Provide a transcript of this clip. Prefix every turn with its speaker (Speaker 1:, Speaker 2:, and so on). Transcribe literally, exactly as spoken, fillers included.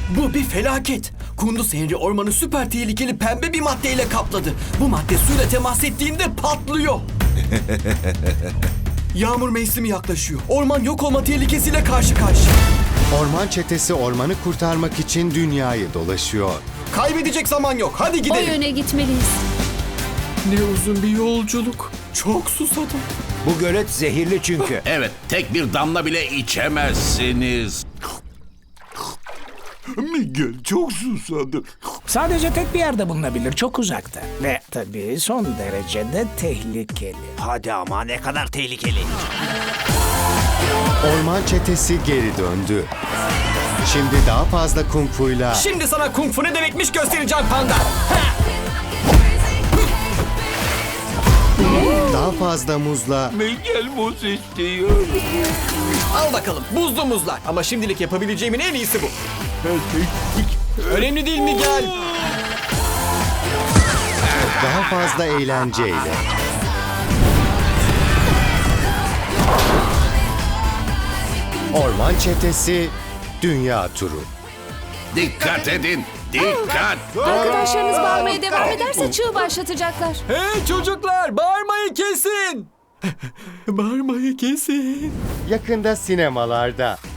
Speaker 1: Bu bir felaket. Kunduz Henry ormanı süper tehlikeli pembe bir maddeyle kapladı. Bu madde suyla temas ettiğinde patlıyor. Yağmur mevsimi yaklaşıyor. Orman yok olma tehlikesiyle karşı karşıya.
Speaker 2: Orman çetesi ormanı kurtarmak için dünyayı dolaşıyor.
Speaker 1: Kaybedecek zaman yok. Hadi
Speaker 3: O
Speaker 1: gidelim.
Speaker 3: yöne gitmeliyiz.
Speaker 1: Ne uzun bir yolculuk. Çok susadım.
Speaker 4: Bu gölet zehirli çünkü.
Speaker 5: Evet, tek bir damla bile içemezsiniz.
Speaker 6: Miguel çok susadı.
Speaker 7: Sadece tek bir yerde bulunabilir, çok uzakta. Ve tabii son derecede tehlikeli.
Speaker 4: Hadi ama ne kadar tehlikeli.
Speaker 2: Orman çetesi geri döndü. Şimdi daha fazla kung fu'yla
Speaker 1: Şimdi sana kung fu ne demekmiş göstereceğim panda.
Speaker 2: daha fazla muzla
Speaker 6: Miguel muz istiyor.
Speaker 1: Al bakalım buzlu muzlar. Ama şimdilik yapabileceğimin en iyisi bu. Önemli değil Miguel.
Speaker 2: daha fazla eğlenceyle. Orman çetesi dünya turu.
Speaker 5: Dikkat edin, dikkat.
Speaker 3: Arkadaşlarınız bağırmaya devam ederse çığ başlatacaklar.
Speaker 1: Hey çocuklar bağırmayı kesin. Bağırmayı kesin.
Speaker 2: Yakında sinemalarda.